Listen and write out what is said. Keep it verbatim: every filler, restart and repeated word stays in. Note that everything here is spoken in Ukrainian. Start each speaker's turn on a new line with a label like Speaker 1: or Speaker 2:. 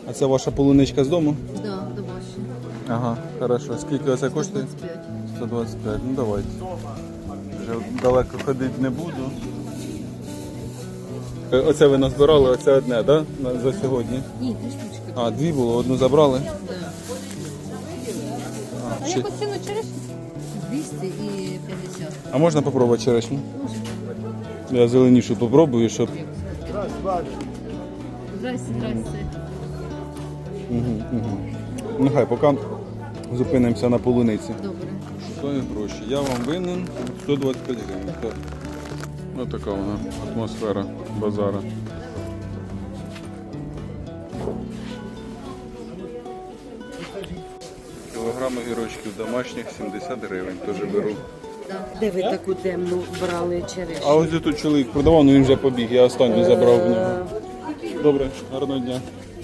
Speaker 1: А це ваша полуничка з дому?
Speaker 2: Да, домашня.
Speaker 1: Ага, хорошо. Скільки оце коштує?
Speaker 2: сто двадцять п'ять.
Speaker 1: сто двадцять п'ять. Ну давайте. Вже далеко ходити не буду. Е, Оце ви назбирали, оце одне, так? Да? За сьогодні.
Speaker 2: Ні, три штучки.
Speaker 1: А, дві було, одну забрали.
Speaker 2: Да.
Speaker 1: А, ще...
Speaker 2: ціну черешні? двісті і п'ятдесят.
Speaker 1: а можна попробувати черешню? Я зеленішу попробую, щоб...
Speaker 2: Здрасте, здрасте.
Speaker 1: Угу, угу. Ну хай, поки зупинимося на полуниці.
Speaker 2: Добре.
Speaker 1: Свої гроші. Я вам винен сто двадцять п'ять гривень. Так. Ось така вона атмосфера базара. Кілограм огірочків домашніх сімдесят гривень. Теж беру.
Speaker 3: Де ви таку темну брали черешню?
Speaker 1: А ось тут чоловік продавав, але він вже побіг. Я останню забрав в нього. Добре, гарного дня.